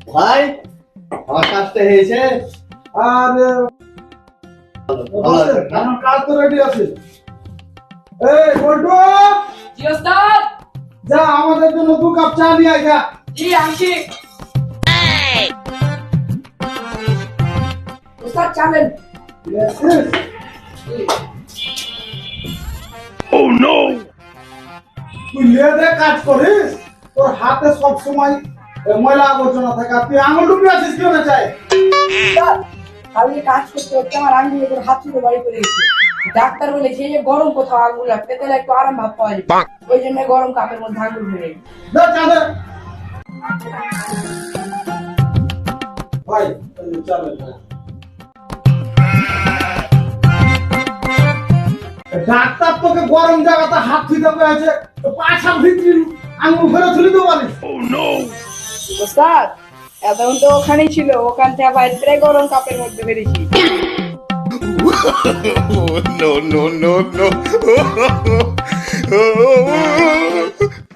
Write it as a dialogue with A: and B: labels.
A: ভাই আমার কাজটা হয়েছে।
B: আর আমার কাজ তো রেডি আছে। এই বল্টু,
C: জি ওস্তাদ।
B: যা আমাদের জন্য 2 কাপ চা নিয়ে আয় যা।
C: জি আনছি। ওস্তাদ চালেন।
B: Yes, yes. তুই লেদে কাজ করিস, তোর হাতে সব সময় ময়লা আবর্জনা থাকে। আর তুই আঙুল ডুবি আছিস কেউ না চাই।
C: ওস্তাদ আমি কাজ করতে করতে আমার আঙ্গুলে করে হাত থেকে বাড়ি করে গেছে। ডাক্তার বলেছে যে গরম কোথাও আঙ্গুল রাখতে তাহলে একটু আরাম ভাব পাওয়া যাবে। ওই জন্য গরম কাপের মধ্যে আঙ্গুল ভরে গেছে।
B: দে চা দে। ভাই চা দে। ডাক্তার তোকে গরম জায়গাতে হাত ধুইতে বলেছে, তো পাছার ভিতরে আঙুল ভরে তুলে দেবো বলিস।
C: ওস্তাদ এতক্ষণ তো ওখানেই ছিল, ওখান থেকে বাইরে থেকে গরম কাপের মধ্যে বেরিয়েছি।
D: no, no, no, no.